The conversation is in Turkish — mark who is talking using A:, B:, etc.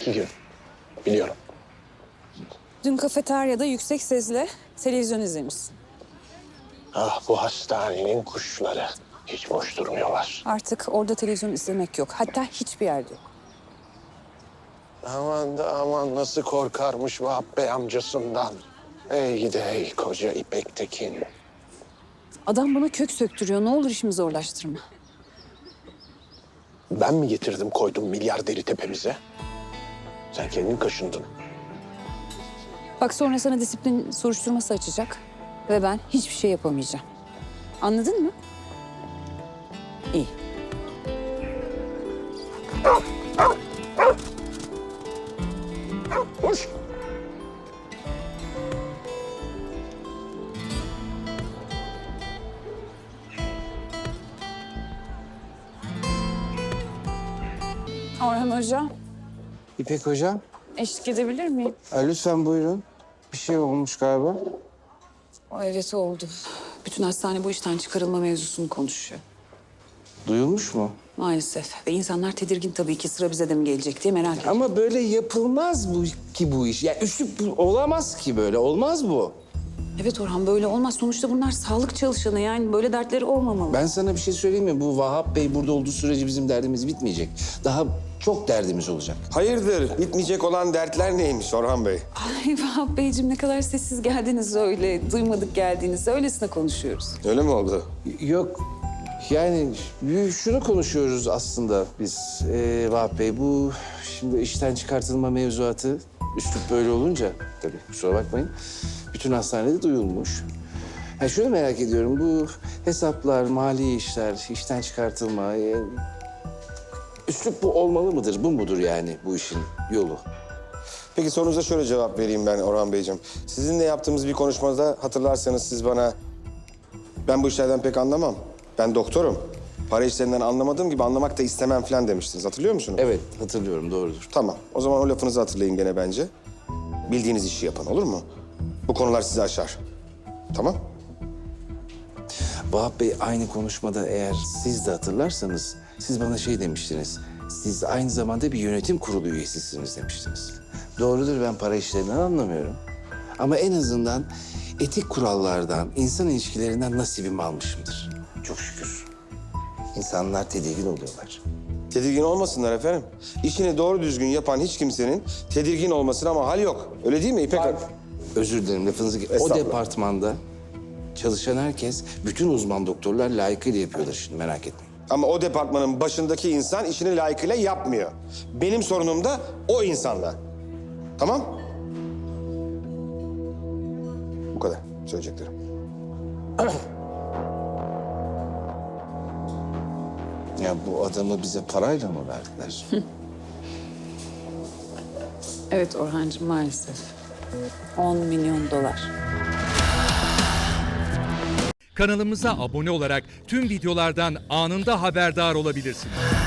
A: 2 gün. Biliyorum.
B: Dün kafeteryada yüksek sesle televizyon izlemişsin.
A: Ah, bu hastanenin kuşları hiç boş durmuyorlar.
B: Artık orada televizyon izlemek yok. Hatta hiçbir yerde yok.
A: Aman da aman, nasıl korkarmış Vahap Bey amcasından. Ey gidi ey koca İpek Tekin.
B: Adam bana kök söktürüyor. Ne olur işimi zorlaştırma.
A: Ben mi getirdim koydum milyarderi tepemize? Sen kendin kaşındın.
B: Bak sonra sana disiplin soruşturması açacak. Ve ben hiçbir şey yapamayacağım. Anladın mı? İyi.
A: Hoş.
B: Orhan Hoca,
C: İpek Hocam,
B: eşlik edebilir miyim?
C: lütfen buyurun. Bir şey olmuş galiba.
B: Evet oldu. Bütün hastane bu işten çıkarılma mevzusunu konuşuyor.
C: Duyulmuş mu?
B: Maalesef. Ve insanlar tedirgin tabii ki sıra bize de mi gelecek diye merak ediyor.
C: Ama böyle yapılmaz bu iş. Ya üslup olamaz ki böyle. Olmaz bu.
B: Evet Orhan böyle olmaz. Sonuçta bunlar sağlık çalışanı yani böyle dertleri olmamalı.
C: Ben sana bir şey söyleyeyim mi? Bu Vahap Bey burada olduğu sürece bizim derdimiz bitmeyecek. Daha çok derdimiz olacak.
D: Hayırdır? Bitmeyecek olan dertler neymiş Orhan Bey?
B: Ay Vahap Beyciğim ne kadar sessiz geldiniz öyle. Duymadık geldiğinizde öylesine konuşuyoruz.
D: Öyle mi oldu?
C: Yok. Yani şunu konuşuyoruz aslında biz Vahap Bey. Bu şimdi işten çıkartılma mevzuatı üslup böyle olunca tabii kusura bakmayın. Bütün hastanede duyulmuş. Ha, şunu merak ediyorum. Bu hesaplar, mali işler, işten çıkartılma... üslup bu olmalı mıdır? Bu mudur yani bu işin yolu?
D: Peki sorunuza şöyle cevap vereyim ben Orhan Beyciğim. Sizinle yaptığımız bir konuşmada hatırlarsanız siz bana... Ben bu işlerden pek anlamam. Ben doktorum. Para işlerinden anlamadığım gibi anlamak da istemem falan demiştiniz. Hatırlıyor musunuz?
C: Evet, hatırlıyorum. Doğrudur.
D: Tamam. O zaman o lafınızı hatırlayın gene bence. Bildiğiniz işi yapın, olur mu? Bu konular sizi aşar. Tamam?
C: Vahap Bey aynı konuşmada eğer siz de hatırlarsanız... siz bana şey demiştiniz. Siz aynı zamanda bir yönetim kurulu üyesisiniz demiştiniz. Doğrudur, ben para işlerinden anlamıyorum. Ama en azından etik kurallardan, insan ilişkilerinden nasibimi almışımdır. Çok şükür. İnsanlar tedirgin oluyorlar.
D: Tedirgin olmasınlar efendim. İşini doğru düzgün yapan hiç kimsenin tedirgin olmasına mahal yok. Öyle değil mi İpek Hanım?
C: Özür dilerim lafınızı... O
D: Estağfurullah.
C: departmanda çalışan herkes, bütün uzman doktorlar layıkıyla yapıyorlar şimdi, merak etmeyin.
D: Ama o departmanın başındaki insan işini layıkıyla yapmıyor. Benim sorunum da o insanla. Tamam? Bu kadar söyleyeceklerim.
C: Ya bu adamı bize parayla mı verdiler?
B: Evet Orhancığım maalesef. 10 milyon dolar.
E: Kanalımıza abone olarak tüm videolardan anında haberdar olabilirsiniz.